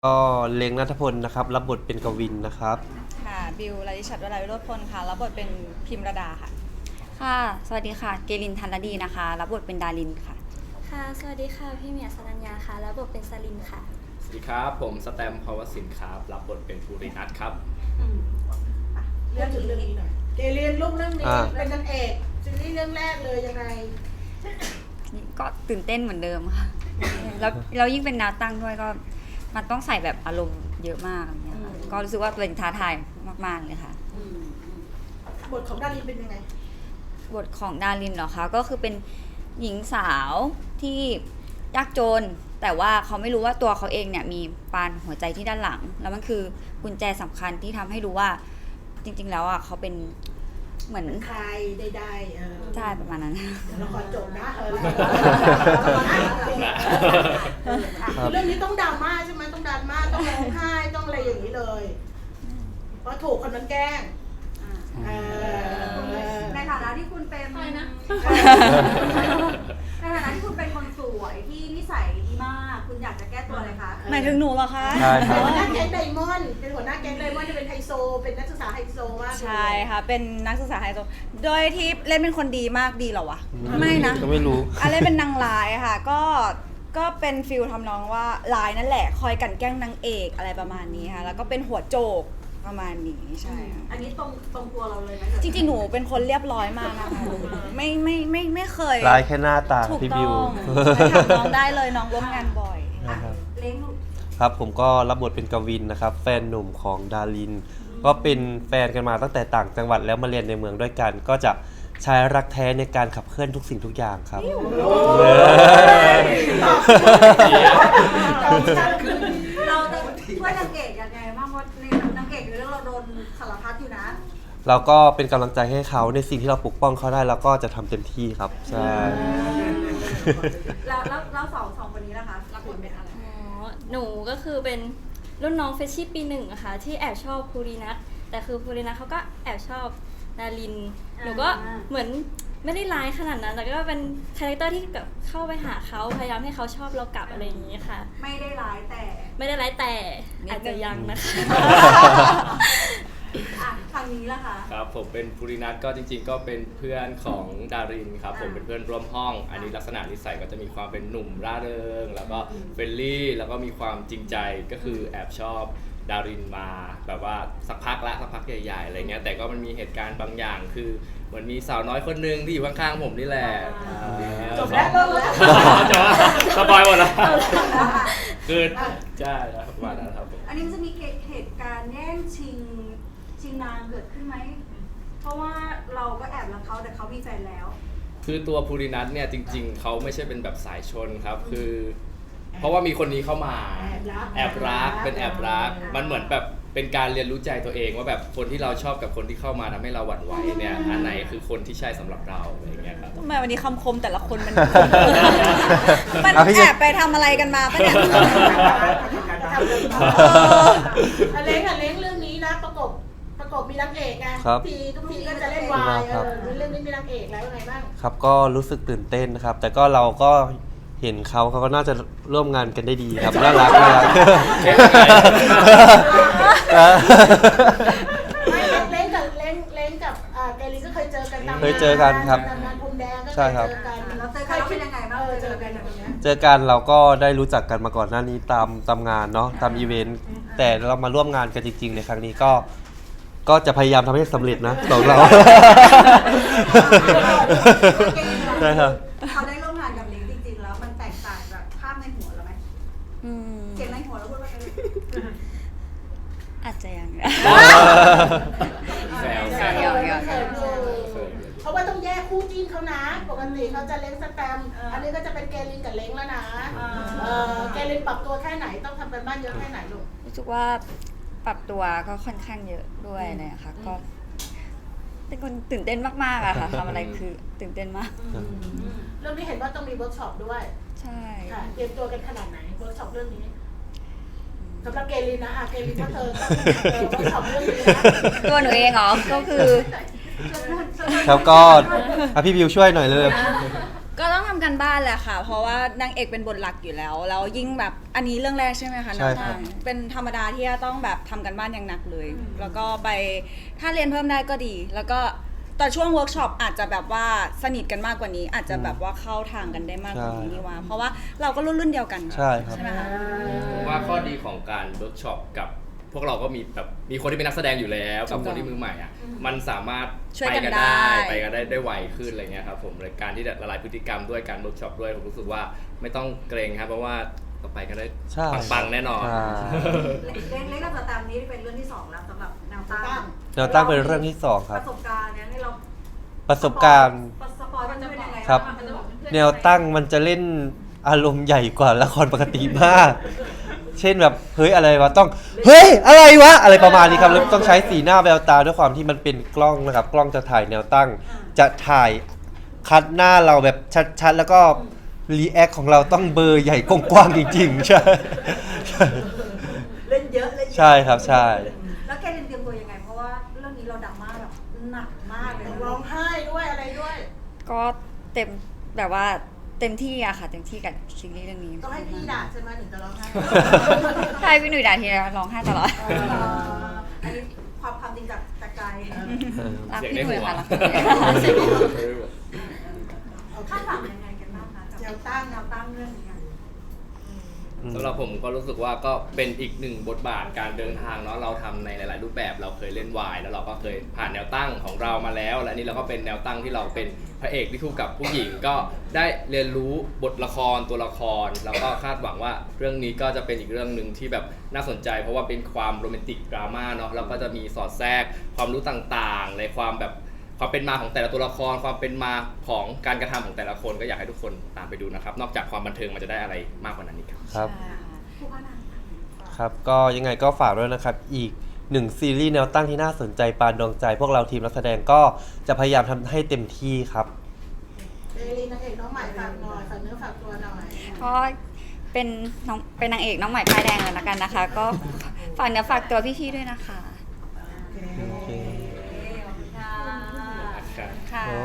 ก็เล้งณัฐพลนะครับรับบทเป็นกวินนะครับค่ะบิวลลิชัดวราวิโรจน์พลค่ะรับบทเป็นพิมรดาค่ะค่ะสวัสดีค่ะเกลินทันรดีนะคะรับบทเป็นดารินค่ะค่ะสวัสดีค่ะพี่เมียสรัญญาค่ะรับบทเป็นสลินค่ะสวัสดีครับผมสแตมภาวสินครับรับบทเป็นภูรินัทครับเรื่องถึงเรื่องนี้หน่อยเกเรียนลูกเรื่องนี้เป็นนางเอกซีรีส์เรื่องแรกเลยยังไงก็ตื่นเต้นเหมือนเดิมค่ะแล้วยิ่งเป็นแนวตั้งด้วยก็มันต้องใส่แบบอารมณ์เยอะมากอย่างเงี้ยค่ะก็รู้สึกว่าเป็นท้าทายมากๆเลยค่ะบทของดารินเป็นยังไงบทของดารินเหรอคะก็คือเป็นหญิงสาวที่ยากจนแต่ว่าเขาไม่รู้ว่าตัวเขาเองเนี่ยมีปานหัวใจที่ด้านหลังแล้วมันคือกุญแจสำคัญที่ทำให้รู้ว่าจริงๆแล้วอ่ะเขาเป็นเหมือนใครได้ใช่ประมาณนั้นละครจบนะเรื่องนี้ต้องดราม่าใช่ไหมต้องดราม่าต้องร้องไห้ต้องอะไรอย่างนี้เลยเพราะถูกคนนั้นแกล้งในฐานะที่คุณเป็นในฐานะที่คุณเป็นคนสวยที่นิสัยดีมากคุณอยากจะแก้ตัวอะไรคะหมายถึงหนูเหรอคะใช่ครับหัวหน้าแก๊งไดมอนด์เป็นหัวหน้าแก๊งไดมอนด์จะเป็นไฮโซเป็นนักศึกษาไฮโซมากใช่ค่ะเป็นนักศึกษาไฮโซโดยที่เล่นเป็นคนดีมากดีเหรอวะไม่นะก็ไม่รู้เล่นเป็นนางร้ายค่ะก็เป็นฟิลทำนองว่าร้ายนั่นแหละคอยกันแกล้งนางเอกอะไรประมาณนี้ค่ะแล้วก็เป็นหัวโจกประมาณนี้ใช่อันนี้ตรงตัวเราเลยนะจริงๆหนูเป็นคนเรียบร้อยมากนะคะไม่เคยลายแค่หน้าตาพี่บิวถามน้องได้เลยน้องร่วมงานบ่อยเล้งครับผมก็รับบทเป็นกวินนะครับแฟนหนุ่มของดารินก็เป็นแฟนกันมาตั้งแต่ต่างจังหวัดแล้วมาเรียนในเมืองด้วยกันก็จะใช้รักแท้ในการขับเคลื่อนทุกสิ่งทุกอย่างครับเราจะช่วยนางเอกยังไงบ้างว่าในนางเอกในเรื่องเราโดนสารพัดอยู่นะเราก็เป็นกำลังใจให้เขาในสิ่งที่เราปกป้องเขาได้แล้วก็จะทำเต็มที่ครับใช่แล้วสองคนนี้นะคะรับบทเป็นอะไรหนูก็คือเป็นรุ่นน้องเฟชชี่ปี 1อะค่ะที่แอบชอบภูรินัทแต่คือภูรินัทเขาก็แอบชอบดารินหนูก็เหมือนไม่ได้ร้ายขนาดนั้นแต่ก็เป็นคาแรคเตอร์ที่แบบเข้าไปหาเขาพยายามให้เขาชอบเรากลับอะไรอย่างนี้ค่ะไม่ได้ร้ายแต่อาจจะยังนะคะทางนี้ล่ะคะครับผมเป็นภูรินัทก็จริงๆก็เป็นเพื่อนของดารินครับผมเป็นเพื่อนร่วมห้องอันนี้ลักษณะนิสัยก็จะมีความเป็นหนุ่มร่าเริงแล้วก็เฟรนลี่แล้วก็มีความจริงใจก็คือแอบชอบดารินมาแบบว่าสักพักใหญ่ๆอะไรเงี้ยแต่ก็มันมีเหตุการณ์บางอย่างคือเหมือนมีสาวน้อยคนนึงที่อยู่ข้างๆผมนี่แหละจบแล้วจบสบายหมดแล้วคือใช่แล้วประมาณนั้นครับผมอันนี้มันจะมีเหตุการณ์แย่งชิงนางเกิดขึ้นไหมเพราะว่าเราก็แอบรักเขาแต่เขามีแฟนแล้วคือตัวภูรินัทเนี่ยจริงๆเขาไม่ใช่เป็นแบบสายชนครับคือเพราะว่ามีคนนี้เข้ามาแอบรักมันเหมือนแบบเป็นการเรียนรู้ใจตัวเองว่าแบบคนที่เราชอบกับคนที่เข้ามาทำให้เราหวั่นไหวเนี่ยอันไหนคือคนที่ใช่สำหรับเราอะไรอย่างเงี้ยครับทำไมวันนี้คำคมแต่ละคนมันแอบไปทำอะไรกันมาปะเนี่ยเล้งเรื่องนี้นะประกบมีนางเอกไงทุกทีก็จะเล่นวายเรื่องนี้มีนางเอกแล้วยังไงบ้างครับก็รู้สึกตื่นเต้นนะครับแต่ก็เราก็เห็นเขาก็น่าจะร่วมงานกันได้ดีครับน่ารักไม่เล้งกับเกลินก็เคยเจอกันเคยเจอกันครับงานพรมแดงก็ใช่ครับแล้วเจอกันเป็นยังไงบ้างเจอกันอย่างเงี้ยเจอกันเราก็ได้รู้จักกันมาก่อนหน้านี้ตามงานเนาะตามอีเวนต์แต่เรามาร่วมงานกันจริงๆในครั้งนี้ก็จะพยายามทำให้สำเร็จนะของเราใช่ครับเขาได้ร่วมงานกับลิงจริงๆแล้วมันแตกต่างจากภาพในหัวเราไหมเสียงในหัวเราพูดว่าอาจจะยังแซวเพราะว่าต้องแยกคู่จิ้นเขานะปกติเขาจะเล้งสแตมอันนี้ก็จะเป็นเกลินกับเล้งแล้วนะเกลินปรับตัวแค่ไหนต้องทำเป็นบ้านเยอะแค่ไหนลูกรู้สึกว่าปรับตัวก็ค่อนข้างเยอะด้วยนะคะก็เป็นคนตื่นเต้นมากๆอะค่ะทำอะไรคือตื่นเต้นมากเรื่องนี้เห็นว่าต้องมีเวิร์กช็อปด้วยใช่ค่ะเตรียมตัวกันขนาดไหนเวิร์กช็อปเรื่องนี้สำหรับเกลินนะเกลินถ้าเธอเวิร์กช็อปเรื่องนี้นะตัวหนูเองเหรอก็คือครับก็พี่บิวช่วยหน่อยเลยก็ต้องทำกันบ้านแหละค่ะ เพราะว่านางเอกเป็นบทหลักอยู่แล้ว แล้วยิ่งแบบอันนี้เรื่องแรกใช่ไหมคะใช่ครับเป็นธรรมดาที่จะต้องแบบทำกันบ้านอย่างหนักเลย แล้วก็ไปถ้าเรียนเพิ่มได้ก็ดี แล้วก็ตอนช่วงเวิร์กช็อปอาจจะแบบว่าสนิทกันมากกว่านี้ อาจจะแบบว่าเข้าทางกันได้มากกว่านี้นี่ว่าเพราะว่าเราก็รุ่นเดียวกันใช่ครับใช่ไหมคะผมว่าข้อดีของการเวิร์กช็อปกับพวกเราก็มีแบบมีคนที่เป็นนักแสดงอยู่แล้วกับคนที่มือใหม่อ่ะมันสามารถช่วยไปกันกันได้ได้ไปกันได้ไวขึ้นอะไรเงี้ยครับผมรายการที่ละลายพฤติกรรมด้วยการเวิร์กช็อปด้วยผมรู้สึกว่าไม่ต้องเกรงครับเพราะว่าต่อไปกันได้ใช่ปังๆแน่นอนใช่เล็กกับสแตมป์นี้เป็นเรื่องที่2แล้วสำหรับแนวตั้งแนวตั้งเป็นเรื่องที่สองคปรับระสบการณ์เนี่ยให้เราประสบการณ์สปอยล์มันจะเป็นยังไงครับ แนวตั้งมันจะเล่นอารมณ์ใหญ่กว่าละครปกติมาก เช่นแบบเฮ้ยอะไรวะต้องเฮ้ยอะไรวะอะไรประมาณนี้ครับแล้วต้องใช้สีหน้าแววตาด้วยความที่มันเป็นกล้องนะครับกล้องจะถ่ายแนวตั้ง จะถ่ายคัดหน้าเราแบบชัดๆแล้วก็รีแอคของเราต้องเบอร์ใหญ่กว้างๆจริงๆใช่เล่นเยอะเล่นเยอะใช่ครับใช่แล้วแกเรียนเตรียมตัวยังไง เพราะว่าเรื่องนี้เราดราม่าแบบหนักมากเลยร้องไห้ด้วยอะไรด้วยก็เต็มแบบว่าเต็มที่อะค่ะเต็มที่กับซีรีส์เรื่องนี้ต้องให้พี่ด่าใช่ไหมถึงจะร้องไห้ใช่พี่หนุ่ยด่าทีไรร้องไห้ตลอดอันนี้ความจริงจากใจรักเสียงพี่ในหนุ่หัยว ค่ะรักคาดหวังยังไงกันบ้างคะกับแนวตั้งเรื่องนี้อะสำหรับผมก็รู้สึกว่าก็เป็นอีกหนึ่งบทบาทการเดินทางเนาะเราทำในหลาย ๆ รูปแบบเราเคยเล่นวายแล้วเราก็เคยผ่านแนวตั้งของเรามาแล้วและนี่เราก็เป็นแนวตั้งที่เราเป็นพระเอกที่คู่กับผู้หญิงก็ได้เรียนรู้บทละครตัวละครแล้วก็คาดหวังว่าเรื่องนี้ก็จะเป็นอีกเรื่องหนึ่งที่แบบน่าสนใจ เพราะว่าเป็นความโรแมนติกดราม่าเนาะแล้วก็จะมีสอดแทรกความรู้ต่าง ๆ ในความแบบความเป็นมาของแต่ละตัวละครความเป็นมาของการกระทำของแต่ละคนก็อยากให้ทุกคนตามไปดูนะครับนอกจากความบันเทิงมันจะได้อะไรมากกว่านั้นอีกครับครับผู้ว่านางครับก็ยังไงก็ฝากด้วยนะครับอีกหนึ่งซีรีส์แนวตั้งที่น่าสนใจปานดวงใจ พวกเราทีมนักแสดงก็จะพยายามทำให้เต็มที่ครับเอลีนนางเอกน้องใหม่ฝากหน่อยฝากเนื้อฝากตัวหน่อยก็เป็นนางเอกน้องใหม่ป้ายแดงแล้วกันนะคะ ก็ฝากเนื้อฝากตัวพี่ๆด้วยนะคะโอเคค่ะ